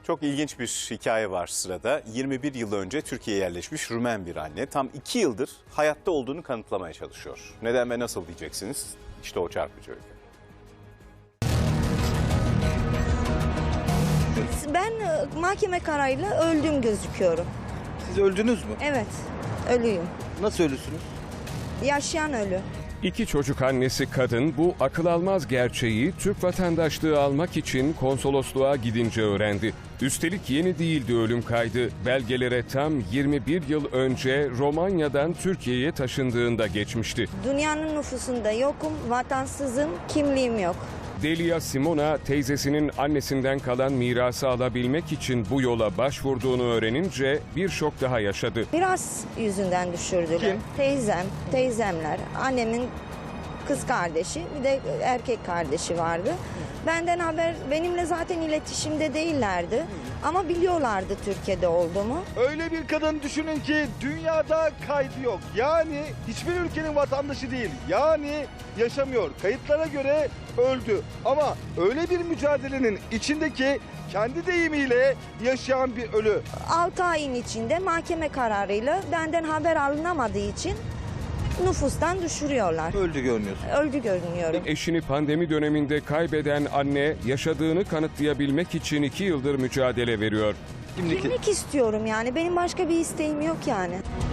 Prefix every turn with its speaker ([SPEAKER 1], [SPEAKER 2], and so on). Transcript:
[SPEAKER 1] Çok ilginç bir hikaye var sırada. 21 yıl önce Türkiye'ye yerleşmiş Rumen bir anne tam 2 yıldır hayatta olduğunu kanıtlamaya çalışıyor. Neden ve nasıl diyeceksiniz? İşte o çarpıcı öykü.
[SPEAKER 2] Ben mahkeme kararıyla öldüm gözüküyorum.
[SPEAKER 3] Siz öldünüz mü?
[SPEAKER 2] Evet, ölüyüm.
[SPEAKER 3] Nasıl ölüsünüz?
[SPEAKER 2] Yaşayan ölü.
[SPEAKER 4] İki çocuk annesi kadın bu akıl almaz gerçeği Türk vatandaşlığı almak için konsolosluğa gidince öğrendi. Üstelik yeni değildi ölüm kaydı. Belgelere tam 21 yıl önce Romanya'dan Türkiye'ye taşındığında geçmişti.
[SPEAKER 2] Dünyanın nüfusunda yokum, vatansızım, kimliğim yok.
[SPEAKER 4] Delia Simona teyzesinin annesinden kalan mirası alabilmek için bu yola başvurduğunu öğrenince bir şok daha yaşadı.
[SPEAKER 2] Miras yüzünden düşürdüler.
[SPEAKER 3] Kim?
[SPEAKER 2] Teyzemler, annemin kız kardeşi, bir de erkek kardeşi vardı. Benden haber, benimle zaten iletişimde değillerdi. Ama biliyorlardı Türkiye'de olduğumu.
[SPEAKER 3] Öyle bir kadın düşünün ki dünyada kaydı yok. Yani hiçbir ülkenin vatandaşı değil. Yani yaşamıyor. Kayıtlara göre öldü. Ama öyle bir mücadelenin içindeki kendi deyimiyle yaşayan bir ölü.
[SPEAKER 2] 6 ayın içinde mahkeme kararıyla benden haber alınamadığı için nüfustan düşürüyorlar.
[SPEAKER 3] Öldü görünüyorsun.
[SPEAKER 2] Öldü görünüyorum.
[SPEAKER 4] Eşini pandemi döneminde kaybeden anne yaşadığını kanıtlayabilmek için 2 yıldır mücadele veriyor.
[SPEAKER 3] Kimlik
[SPEAKER 2] Kimlik istiyorum yani. Benim başka bir isteğim yok yani.